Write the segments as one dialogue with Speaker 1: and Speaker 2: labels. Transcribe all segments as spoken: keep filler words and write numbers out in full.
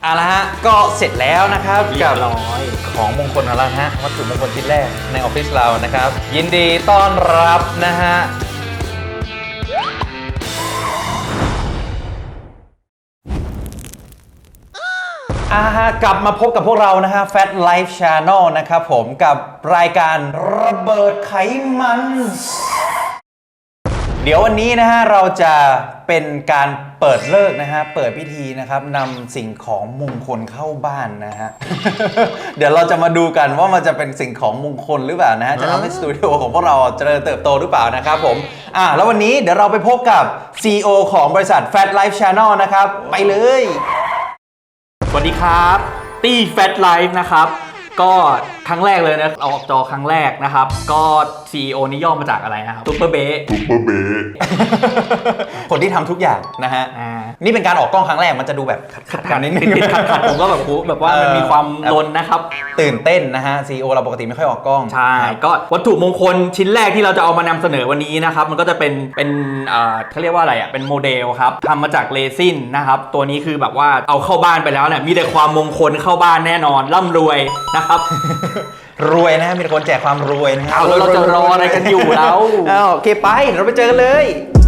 Speaker 1: อ่ะละฮะก็เสร็จแล้วนะครับกับ
Speaker 2: ร้อย
Speaker 1: ของมงคลของเราฮะวัตถุมงคลชิ้นแรกในออฟฟิศเรานะครับยินดีต้อนรับนะฮะอ่าฮะกลับมาพบกับพวกเรานะฮะ Fat Life Channel นะครับผมกับรายการระเบิดไขมัน เดี๋ยววันนี้นะฮะเราจะเป็นการเปิดฤกษ์นะฮะเปิดพิธีนะครับนำสิ่งของมงคลเข้าบ้านนะฮะ เดี๋ยวเราจะมาดูกันว่ามันจะเป็นสิ่งของมงคลหรือเปล่านะฮะจะทำให้สตูดิโอของพวกเราเจริญเติบโตหรือเปล่านะครับผมอ่ะแล้ววันนี้เดี๋ยวเราไปพบกับ ซี อี โอ ของบริษัท Fat Life Channel นะครับไปเลย
Speaker 2: สวัสดีครับตี้แฟตไลฟ์นะครับก็ครั้งแรกเลยนะเอาออกจอครั้งแรกนะครับก็ ซี อี โอ นี่ย่อมาจากอะไรนะครับซุปเปอร์เบส
Speaker 3: ซุปเปอร์เบส
Speaker 1: คนที่ทำทุกอย่างนะฮะ
Speaker 2: อ่า
Speaker 1: นี่เป็นการออกกล้องครั้งแรกมันจะดูแบบขัดๆกันนิดนึง
Speaker 2: ติดๆขัดๆผมก็แบบแบบว่ามันมีความลนนะครับ
Speaker 1: ตื่นเต้นนะฮะ ซี อี โอ เราปกติไม่ค่อยออกกล้อง
Speaker 2: ใช่ก็วัตถุมงคลชิ้นแรกที่เราจะเอามานำเสนอวันนี้นะครับมันก็จะเป็นเป็นเอ่อเขาเรียกว่าอะไรอ่ะเป็นโมเดลครับทำมาจากเรซินนะครับตัวนี้คือแบบว่าเอาเข้าบ้านไปแล้วเนี่ยมีแต่ความมงคลเข้าบ้านแน่นอนร่ำรวยนะครับ
Speaker 1: รวยนะมีแต่คนแจกความรวยนะฮะ
Speaker 2: เอาแล้วเราจะรออะไรกันอยู่แล้ว
Speaker 1: อ้าวโอเคไปเราไปเจอกันเลย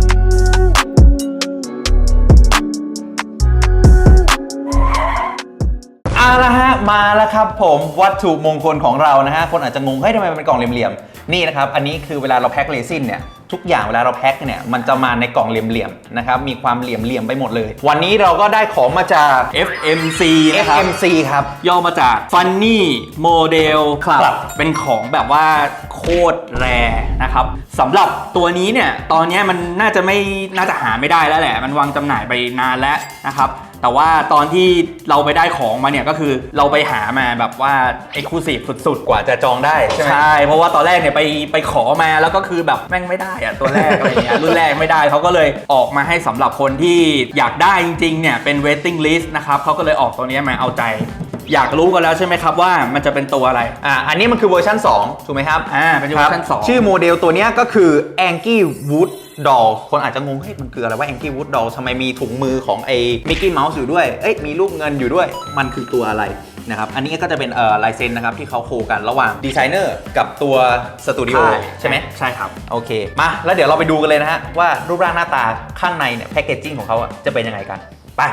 Speaker 1: เอาละฮะมาแล้วครับผมวัตถุมงคลของเรานะฮะคนอาจจะงงเฮ้ยทำไมมันเป็นกล่องเหลี่ยมๆนี่นะครับอันนี้คือเวลาเราแพ็คเรซินเนี่ยทุกอย่างเวลาเราแพ็คเนี่ยมันจะมาในกล่องเหลี่ยมๆนะครับมีความเหลี่ยมๆไปหมดเลยวันนี้เราก็ได้ของมาจาก
Speaker 2: เอฟ เอ็ม ซี นะครับ
Speaker 1: เอฟ เอ็ม ซี ครับ
Speaker 2: ย่อมาจาก Funny Model Club
Speaker 1: ครับ
Speaker 2: เป็นของแบบว่าโคตรแรนะครับสำหรับตัวนี้เนี่ยตอนนี้มันน่าจะไม่น่าจะหาไม่ได้แล้วแหละมันวางจำหน่ายไปนานแล้วนะครับแต่ว่าตอนที่เราไปได้ของมาเนี่ยก็คือเราไปหามาแบบว่า Exclusive สุดๆ
Speaker 1: กว่าจะจองได้ใช่ไหม
Speaker 2: ใช่เพราะว่าตอนแรกเนี่ยไปไปขอมาแล้วก็คือแบบแม่งไม่ได้อะตัวแรกอะไรเงี้ย รุ่นแรกไม่ได้เขาก็เลยออกมาให้สำหรับคนที่อยากได้จริงๆเนี่ยเป็น waiting list นะครับเขาก็เลยออกตัวนี้มาเอาใจ อยากรู้กันแล้วใช่ไหมครับว่ามันจะเป็นตัวอะไร
Speaker 1: อ่าอันนี้มันคือเวอร์ชันสองถูกไหมครับ
Speaker 2: อ่าเป็นเวอร์ชันสอง
Speaker 1: ชื่อโมเดลตัวนี้ก็คือ Anky Wood Doll คนอาจจะงงเฮ้ยมันคืออะไรว่า Anky Wood Doll ทำไมมีถุงมือของไอ้ Mickey Mouse อยู่ด้วยเอ้ยมีรูปเงินอยู่ด้วยมันคือตัวอะไรนะครับอันนี้ก็จะเป็นเอ่อลายเซ็นนะครับที่เขาโคกันระหว่างดีไซเนอร์กับตัวสตูดิโอใช่ไหม
Speaker 2: ใช่ครับ
Speaker 1: โอเคมาแล้วเดี๋ยวเราไปดูกันเลยนะฮะว่ารูปร่างหน้าตาข้างในเนี่ยแพคเกจจิ้งของเขาจะเป็นยังไงกันไป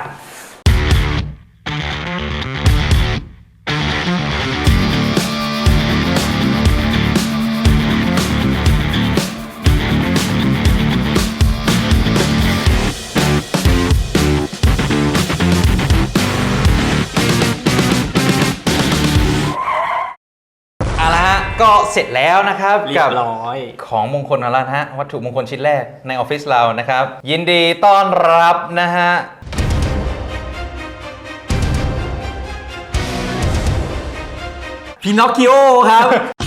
Speaker 1: ก็เสร็จแล้วนะครับกับของมงคลของเราฮะวัตถุมงคลชิ้นแรกในออฟฟิศเรานะครับยินดีต้อนรับนะฮะ
Speaker 2: พินอคคิโอครับ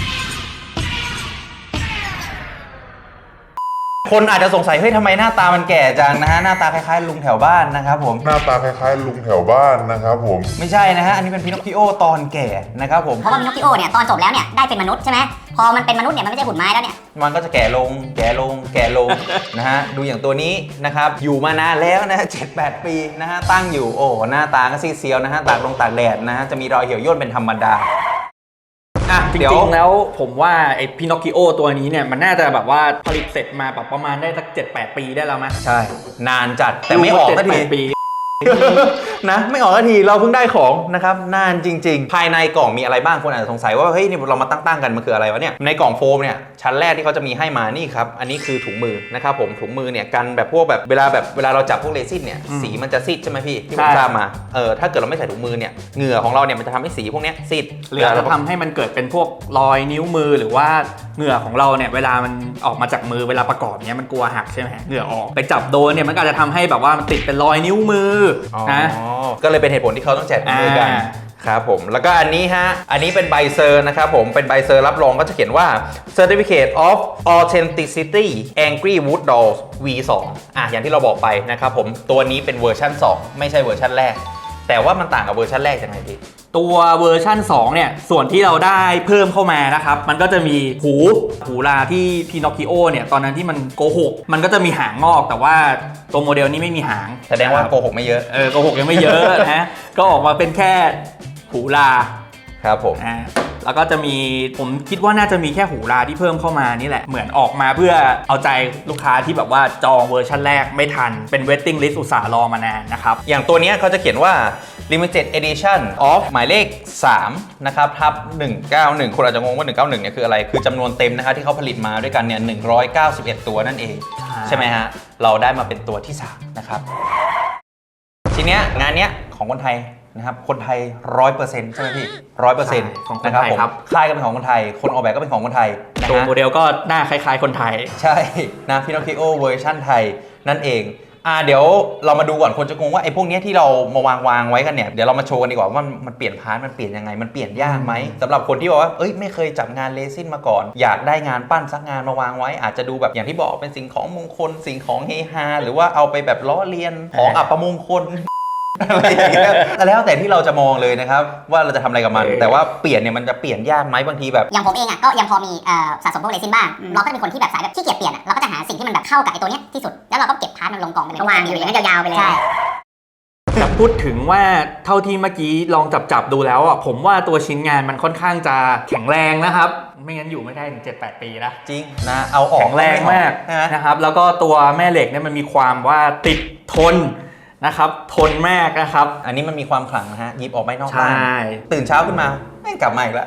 Speaker 1: คนอาจจะสงสัยเฮ้ยทำไมหน้าตามันแก่จังนะฮะหน้าตาคล้ายๆลุงแถวบ้านนะครับผม
Speaker 3: หน้าตาคล้ายๆลุงแถวบ้านนะครับผม
Speaker 1: ไม่ใช่นะฮะอันนี้เป็นพินอคคิโอตอนแก่นะครับผม
Speaker 4: เพราะว่าพินอคคิโอเนี่ยตอนจบแล้วเนี่ยได้เป็นมนุษย์ใช่ไหมพอมันเป็นมนุษย์เนี่ยมันไม่ใช่หุ่นไม้แล้วเนี่ย
Speaker 1: มันก็จะแก่ลงแก่ลงแก่ลง นะฮะดูอย่างตัวนี้นะครับอยู่มานานแล้วนะฮะเจ็ดแปดปีนะฮะตั้งอยู่โอ้หน้าตาก็ซีเซียวนะฮะตากลงตากแดดนะฮะจะมีรอยเหี่ยวย่นเป็นธรรมดา
Speaker 2: จริงๆแล้วผมว่าไอ้พินอคคิโอตัวนี้เนี่ยมันน่าจะแบบว่าผลิตเสร็จมาแบบประมาณได้สัก เจ็ดแปด ปีได้แล้วมั้ย
Speaker 1: ใช่นานจัดแต่ไม่ออกสักที
Speaker 2: ปี
Speaker 1: นะไม่ออกสักทีเราเพิ่งได้ของนะครับนานจริงๆภายในกล่องมีอะไรบ้างคนอาจจะสงสัยว่าเฮ้ยนี่เรามาตั้งๆกันมันคืออะไรวะเนี่ยในกล่องโฟมเนี่ยชั้นแรกที่เขาจะมีให้มานี่ครับอันนี้คือถุงมือนะครับผมถุงมือเนี่ยกันแบบพวกแบบเวลาแบบเวลาเราจับพวกเรซินเนี่ยสีมันจะซีดใช่ไหมพี่ที่ผมทราบมาเออถ้าเกิดเราไม่ใส่ถุงมือเนี่ยเหงื่อของเราเนี่ยมันจะทำให้สีพวกนี้ซีด
Speaker 2: หรือจะทำให้มันเกิดเป็นพวกรอยนิ้วมือหรือว่าเหงื่อของเราเนี่ยเวลามันออกมาจากมือเวลาประกอบเนี่ยมันกลัวหักใช่ไหมเหงื่อออกไปจับโดนเนี่ยมันก็จะทำให้แบบว่ามันติดเป็นรอยนิ้วมือนะ
Speaker 1: ก็เลยเป็นเหตุผลที่เขาต้องแจกถุงมือกันครับผมแล้วก็อันนี้ฮะอันนี้เป็นใบเซอร์นะครับผมเป็นใบเซอร์รับรองก็จะเขียนว่า Certificate of Authenticity Angry Wood Dolls วี ทู อ่ะอย่างที่เราบอกไปนะครับผมตัวนี้เป็นเวอร์ชันสองไม่ใช่เวอร์ชันแรกแต่ว่ามันต่างกับเวอร์ชันแรกยังไงพี่
Speaker 2: ตัวเวอร์ชั่นสองเนี่ยส่วนที่เราได้เพิ่มเข้ามานะครับมันก็จะมีหูหูลาที่พีนอคคิโอเนี่ยตอนนั้นที่มันโกหกมันก็จะมีหางงอกแต่ว่าตัวโมเดลนี้ไม่มีหาง
Speaker 1: แสดงว่าโกหกไม่เยอะ
Speaker 2: เออโกหกยังไม่เยอะนะ ก็ออกมาเป็นแค่หูลา
Speaker 1: ครับผม
Speaker 2: อ่าแล้วก็จะมีผมคิดว่าน่าจะมีแค่หูลาที่เพิ่มเข้ามานี่แหละเหมือนออกมาเพื่อเอาใจลูกค้าที่แบบว่าจองเวอร์ชันแรกไม่ทันเป็น waiting list อุตส่าห์รอมานานนะครับ
Speaker 1: อย่างตัวเนี้ยเขาจะเขียนว่า limited edition of หมายเลขสามนะครับทับหนึ่งเก้าหนึ่งคนอาจจะงงว่าหนึ่งเก้าหนึ่งเนี่ยคืออะไรคือจำนวนเต็มนะครับที่เขาผลิตมาด้วยกันเนี่ยหนึ่งร้อยเก้าสิบเอ็ดตัวนั่นเอง
Speaker 2: ใช่
Speaker 1: ใช่ไหมฮะเราได้มาเป็นตัวที่สามนะครับทีเนี้ยงานเนี้ยของคนไทยนะครับคนไทย ร้อยเปอร์เซ็นต์ ใช่ไหมพี่ ร้อยเปอร์เซ็นต์
Speaker 2: ของคน
Speaker 1: นะครับ
Speaker 2: ไทย
Speaker 1: ผม
Speaker 2: ครับ
Speaker 1: ค่ายก็เป็นของคนไทยคนออกแบบก็เป็นของคนไทยนะ
Speaker 2: ตัว
Speaker 1: ฮะ
Speaker 2: โมเดลก็หน้าคล้ายๆคนไทย
Speaker 1: ใช่นะพินอคคิโอเวอร์ชันไทยนั่นเองอ่าเดี๋ยวเรามาดูก่อนคนจะงงว่าไอ้พวกเนี้ยที่เรามาวางวางไว้กันเนี่ยเดี๋ยวเรามาโชว์กันดีกว่าว่ามันมันเปลี่ยนพาร์ทมันเปลี่ยนยังไงมันเปลี่ยนยากไหมสำหรับคนที่บอกว่าเอ้ยไม่เคยจับงานเรซินมาก่อน อยากได้งานปั้นสักงานมาวางไว้ อาจจะดูแบบอย่างที่บอกเป็นสิ่งของมงคลสิ่งของเฮฮาหรือว่าเอาไปแบบล้อเลียนของอัปมงคล อะไรอย่างเงี้ยแล้วแต่ที่เราจะมองเลยนะครับว่าเราจะทำอะไรกับมัน
Speaker 2: เออ
Speaker 1: แต่ว่าเปลี่ยนเนี่ยมันจะเปลี่ยนยากไหมบางทีแบบ
Speaker 4: อย่างผมเองอ่ะก็ยังพอมีเอ่อสะสมพวกเรซินบ้างเราก็จะเป็นคนที่แบบสายแบบขี้เกียจเปลี่ยนอ่ะเราก็จะหาสิ่งที่มันแบบเข้ากับไอ้ตัวเนี้ยที่สุดแล้วเราก็เก็บพาร์ทมันลงกองไปเลยก็วางอยู่อย่างนั้นยาวๆไปเลยใช่
Speaker 2: แต่พูดถึงว่าเท่าที่เมื่อกี้ลองจับจับๆดูแล้วอ่ะผมว่าตัวชิ้นงานมันค่อนข้างจะแข็งแรงนะครับไม่งั้นอยู่ไม่ได้ถึง เจ็ดแปด ปีนะ
Speaker 1: จริงนะเอาออก
Speaker 2: แข็งแรงมาก
Speaker 1: นะ
Speaker 2: นะครับแล้วก็ตัวแม่เหล็กเนี่ยมันมีความว่าติดทนนะครับทนมากนะครับ
Speaker 1: อันนี้มันมีความขลังนะฮะหยิบออกไม่นอก
Speaker 2: ใช่
Speaker 1: บ้านตื่นเช้าขึ้นมาแม่งกลับมาอีกแล้ว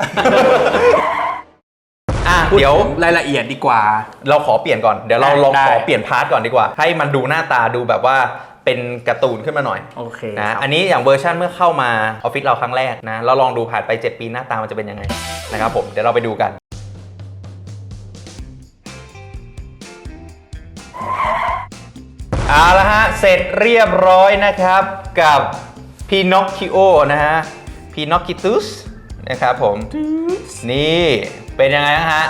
Speaker 1: อ่ะ
Speaker 2: พูด
Speaker 1: เดี๋ยว
Speaker 2: ถึงรายละเอียดดีกว่า
Speaker 1: เราขอเปลี่ยนก่อนเดี๋ยวเรา
Speaker 2: ได้
Speaker 1: ลอง
Speaker 2: ได้
Speaker 1: ขอเปลี่ยนพาร์ทก่อนดีกว่า ให้มันดูหน้าตาดูแบบว่าเป็นการ์ตูนขึ้นมาหน่อย
Speaker 2: โอเค
Speaker 1: นะครับ อันนี้อย่างเวอร์ชันเมื่อเข้ามาออฟฟิศเราครั้งแรกนะเราลองดูผ่านไปเจ็ดปีหน้าตามันจะเป็นยังไงนะครับผมเดี๋ยวเราไปดูกันเอาละฮะเสร็จเรียบร้อยนะครับกับพีนอคคิโอนะฮะพีนอคคิตุสนะครับผมนี่เป็นยังไงนะฮะ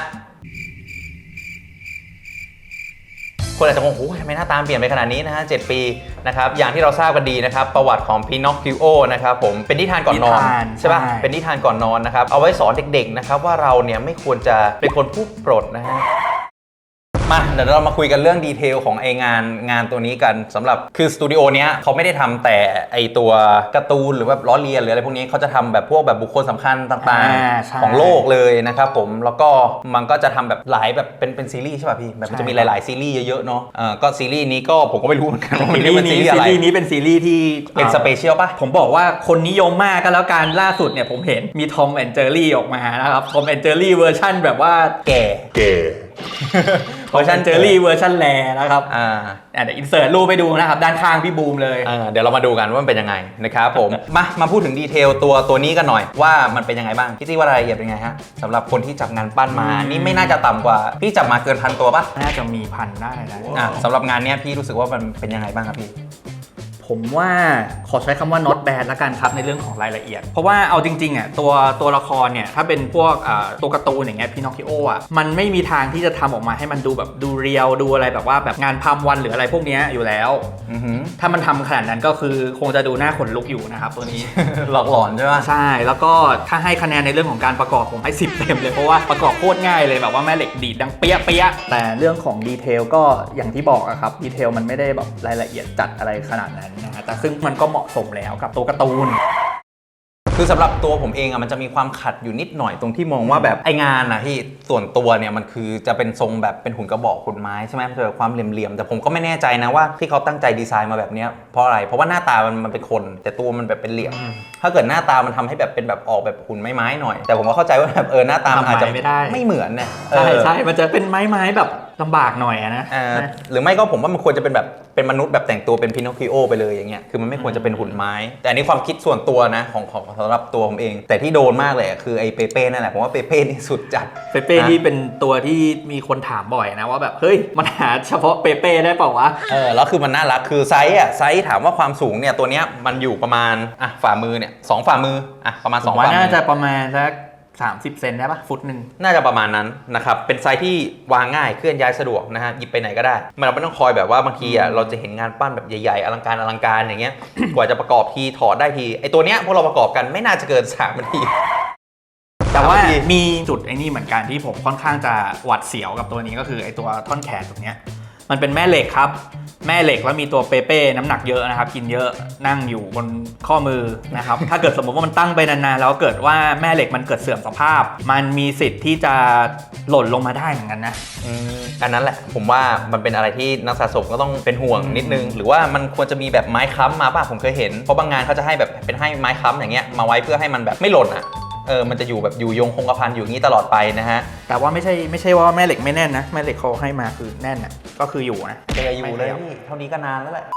Speaker 1: คนอาจจะงงโอ้ยทำไมหน้าตาเปลี่ยนไปขนาดนี้นะฮะเจ็ดปีนะครับอย่างที่เราทราบกันดีนะครับประวัติของพีนอคคิโอนะครับผมเป็นนิทานก่อนนอน
Speaker 2: นิทาน
Speaker 1: ใช่ป่ะ
Speaker 2: ใช่
Speaker 1: เป็นนิทานก่อนนอนนะครับเอาไว้สอนเด็กๆนะครับว่าเราเนี่ยไม่ควรจะเป็นคนพูดปลดนะฮะมาเดี๋ยวเรามาคุยกันเรื่องดีเทลของไองานงานตัวนี้กันสำหรับคือสตูดิโอเนี้ยเขาไม่ได้ทำแต่ไอตัวการ์ตูนหรือแบบล้อเลียนหรืออะไรพวกนี้เขาจะทำแบบพวกแบบบุคคลสำคัญต่าง
Speaker 2: อ่าใช่
Speaker 1: ๆของโลกเลยนะครับผมแล้วก็มันก็จะทำแบบหลายแบบเป็นเป็นซีรีส์ใช่ป่ะพี่แบบมันจะมีหลายๆซีรีส์เยอะๆเนาะอ่าก็ซีรีส์นี้ก็ผมก็ไม่รู้เหมือนกันว่ามัน
Speaker 2: ซีรี
Speaker 1: เป็น
Speaker 2: ส์
Speaker 1: ซี
Speaker 2: นี้
Speaker 1: รีส์
Speaker 2: ซี
Speaker 1: อะไร
Speaker 2: รีส์นี้เป็นซีรีส์ที่
Speaker 1: เป็นสเปเชียลป่ะ
Speaker 2: ผมบอกว่าคนนิยมมากก็แล้วกันล่าสุดเนี่ยผมเห็นมีทอมแอนเจอรี่ออกมานะครับทอมแอนเจอรี่เวอร์ชั่นแบบว่า
Speaker 1: แก่
Speaker 3: แก่
Speaker 2: เวอร์ชันเจอรี่เวอร์ชันแลนะครับ
Speaker 1: อ่า
Speaker 2: อ่ะเดี๋ยวอินเสิร์ตรูปไปดูนะครับด้านข้างพี่บูมเลย
Speaker 1: เออเดี๋ยวเรามาดูกันว่ามันเป็นยังไงนะครับผม มามาพูดถึงดีเทลตัวตัวนี้กันหน่อยว่ามันเป็นยังไงบ้างพี่ตี้ว่ารายละเอียดเป็นไงฮะสำหรับคนที่จับงานปั้นมา
Speaker 2: อืม
Speaker 1: นี่ไม่น่าจะต่ำกว่าพี่จับมาเกินพันตัวปะ
Speaker 2: น่าจะมีพันได้นะ
Speaker 1: อ่ะสำหรับงานเนี้ยพี่รู้สึกว่ามันเป็นยังไงบ้างครับพี่
Speaker 2: ผมว่าขอใช้คำว่า not bad ละกันครับในเรื่องของรายละเอียด เพราะว่าเอาจริงๆอ่ะตัวตัวละครเนี่ยถ้าเป็นพวกอ่าตัวการ์ตูนอย่างเงี้ยพีนอคคิโออ่ะมันไม่มีทางที่จะทำออกมาให้มันดูแบบดูเรียลดูอะไรแบบว่าแบบงานพามวันหรืออะไรพวกเนี้ยอยู่แล้ว
Speaker 1: อือหือ
Speaker 2: ถ้ามันทำขนาดนั้นก็คือคงจะดูหน้าขนลุกอยู่นะครับตัวนี้
Speaker 1: หลอกหลอนใช่ปะ
Speaker 2: ใช่แล้วก็ถ้าให้คะแนนในเรื่องของการประกอบผมให้สิบเต็มเลยเพราะว่าประกอบโคตรง่ายเลยแบบว่าแม่เหล็กดีดดังเปี้ยเปี้ยแต่เรื่องของดีเทลก็อย่างที่บอกอะครับดีเทลมันไม่ได้แบบรายละเอียดจัดอะไรขนาดนั้นนะฮะแต่ซึ่งมันก็เหมาะสมแล้วกับตัวการ์ตูน
Speaker 1: คือสำหรับตัวผมเองอะมันจะมีความขัดอยู่นิดหน่อยตรงที่มองว่าแบบไองานนะที่ส่วนตัวเนี่ยมันคือจะเป็นทรงแบบเป็นหุ่นกระบอกหุ่นไม้ใช่ไหมมันจะแบบความเหลี่ยมๆแต่ผมก็ไม่แน่ใจนะว่าที่เขาตั้งใจดีไซน์มาแบบเนี้ยเพราะอะไรเพราะว่าหน้าตามันมันเป็นคน แต่ตัวมันแบบเป็นเหลี่ยม ถ้าเกิดหน้าตามันทำให้แบบเป็นแบบออกแบบหุ่นไม้ๆหน่อย แต่ผมก็เข้าใจว่าแบบเออหน้าตามันอาจจะ
Speaker 2: ทำไมไม่ได้
Speaker 1: ไม่เหมือนนะเอ
Speaker 2: ใช่
Speaker 1: อ
Speaker 2: ใช่มันจะเป็นไม้ไม้แบบลำบากหน่อยอะนะ
Speaker 1: เออหรือไม่ก็ผมว่ามันควรจะเป็นแบบเป็นมนุษย์แบบแต่งตัวเป็นพินอคคิโอไปเลยอย่างเงี้ยคือมันไม่ควรจะเป็นหุ่นไม้ แต่อันนี้ความคิดส่วนตัวนะของของสำหรับตัวผมเอง แต่ที่โดนมากเลยอะคือไอ้เปเป้นั่นแหละผมว่าเปเป้นี่สุดจัด
Speaker 2: เปเป้นี่เป็นตัวที่มีคนถามบ่อยนะว่าแบบเฮ้ยมันหาเฉพาะเปเป้ได้เปล่าวะ
Speaker 1: เออแล้วคือมันน่ารักคือไซส์อ่ะไซส์ถามว่าความสูงเนี่ยตัวเนี้ยมันอยู่ประมาณอ่ะฝ่ามือเนี่ยสองฝ่ามืออ่ะประมาณ
Speaker 2: ผ
Speaker 1: สอ
Speaker 2: ม
Speaker 1: ง
Speaker 2: ว่า
Speaker 1: ฝ่ามื
Speaker 2: น่า
Speaker 1: อ
Speaker 2: จะประมาณสักสามสิบเซนได้ปะฟุตหนึ่ง
Speaker 1: น่าจะประมาณนั้นนะครับเป็นไซส์ที่วางง่ายเคลื่อนย้ายสะดวกนะฮะหยิบไปไหนก็ได้มันเราไม่ต้องคอยแบบว่าบางทีอ่ะเราจะเห็นงานปั้นแบบใหญ่ๆอลังการอลังการอย่างเงี้ย กว่าจะประกอบทีถอดได้ทีไอตัวเนี้ยพวกเราประกอบกันไม่น่าจะเกินสามนาที
Speaker 2: แต่ว่า
Speaker 1: สามนาที
Speaker 2: มีจุดไอ้นี่เหมือนกันที่ผมค่อนข้างจะหวัดเสียวกับตัวนี้ก็คือไอ้ตัวท่อนแขนตรงเนี้ยมันเป็นแม่เหล็กครับแม่เหล็กแล้วมีตัวเปเป้น้ำหนักเยอะนะครับกินเยอะนั่งอยู่บนข้อมือนะครับ ถ้าเกิดสมมติว่ามันตั้งไปนานๆแล้วเกิดว่าแม่เหล็กมันเกิดเสื่อมสภาพ มันมีสิทธิ์ที่จะหล่นลงมาได้เหมือนกันนะ
Speaker 1: อืมอันนั้นแหละผมว่ามันเป็นอะไรที่นักสะสมก็ต้องเป็นห่วงนิดนึง หรือว่ามันควรจะมีแบบไม้ค้ำมาป่ะผมเคยเห็นเพราะบางงานเขาจะให้แบบเป็นให้ไม้ค้ำอย่างเงี้ยมาไว้เพื่อให้มันแบบไม่หล่นอ่ะเออมันจะอยู่แบบอยู่ยงคงกระพันอยู่อย่างนี้ตลอดไปนะฮะ
Speaker 2: แต่ว่าไม่ใช่ไม่ใช่ว่าแม่เหล็กไม่แน่นนะแม่เหล็กเขาให้มาคือแน่นนะก็คืออยู่นะ
Speaker 1: เจออยู่เลยพี่เท่านี้ก็นานแล้วแหละ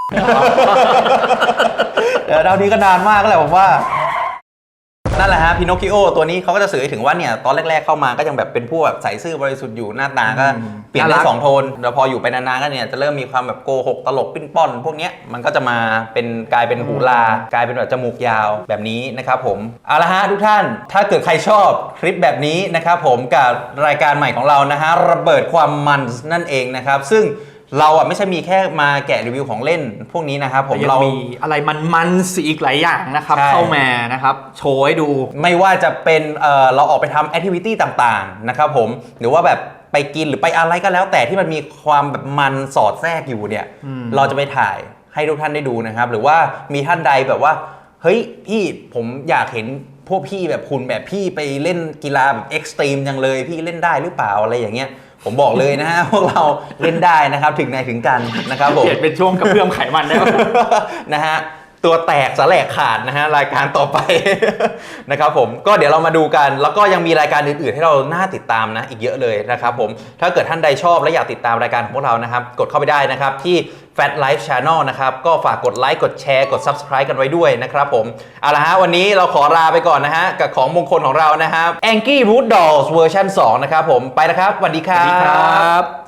Speaker 1: เดี๋ยวเท่านี้ก็นานมากแล้วแหละผมว่านั่นแหละฮะพินอคคิโอตัวนี้เขาก็จะสื่อให้ถึงว่าเนี่ยตอนแรกๆเข้ามาก็ยังแบบเป็นผู้แบบใสซื่อบริสุทธิ์อยู่หน้าตาก็เปลี่ยนได้สองโทนแล้วพออยู่ไปนานๆก็เนี่ยจะเริ่มมีความแบบโกหกตลกปิ้นป้อนพวกเนี้ยมันก็จะมาเป็นกลายเป็นหูลากลายเป็นแบบจมูกยาวแบบนี้นะครับผมเอาละฮะทุกท่านถ้าเกิดใครชอบคลิปแบบนี้นะครับผมกับรายการใหม่ของเรานะฮะระเบิดความมันนั่นเองนะครับซึ่งเราอ่ะไม่ใช่มีแค่มาแกะรีวิวของเล่นพวกนี้นะครับผม
Speaker 2: ยัง
Speaker 1: เรา
Speaker 2: มีอะไรมันๆอีกหลายอย่างนะครับ
Speaker 1: ใช่
Speaker 2: เข้ามานะครับโชว์ให้ดู
Speaker 1: ไม่ว่าจะเป็นเอ่อเราออกไปทำแอคทิวิตี้ต่างๆนะครับผมหรือว่าแบบไปกินหรือไปอะไรก็แล้วแต่ที่มันมีความแบบมันสอดแทรกอยู่เนี่ย
Speaker 2: อืม
Speaker 1: เราจะไปถ่ายให้ทุกท่านได้ดูนะครับหรือว่ามีท่านใดแบบว่าเฮ้ยพี่ผมอยากเห็นพวกพี่แบบคุณแบบพี่ไปเล่นกีฬาแบบเอ็กซ์ตรีมจังเลยพี่เล่นได้หรือเปล่าอะไรอย่างเงี้ยผมบอกเลยนะฮะ พวกเราเล่นได้นะครับถึงไหนถึงกันนะครับผม
Speaker 2: เปลี่ยนเป็นช่วงกระเพื่อมไขมันได้ปะ
Speaker 1: นะฮะตัวแตกสแลกขาดนะฮะรายการต่อไป นะครับผมก็เดี๋ยวเรามาดูกัน แล้วก็ยังมีรายการอื่นๆให้เราน่าติดตามนะอีกเยอะเลยนะครับผมถ้าเกิดท่านใดชอบและอยากติดตามรายการของพวกเรานะครับกดเข้าไปได้นะครับที่ Fat Life Channel นะครับก็ฝากกดไลค์กดแชร์กด Subscribe กันไว้ด้วยนะครับผมเอาละฮะวันนี้เราขอลาไปก่อนนะฮะกับของมงคลของเรานะครับ Angry Root Dolls เวอร์ชันสองนะครับผมไปนะครับสวัสดีค
Speaker 2: ส
Speaker 1: รั
Speaker 2: วัสดีครับ บ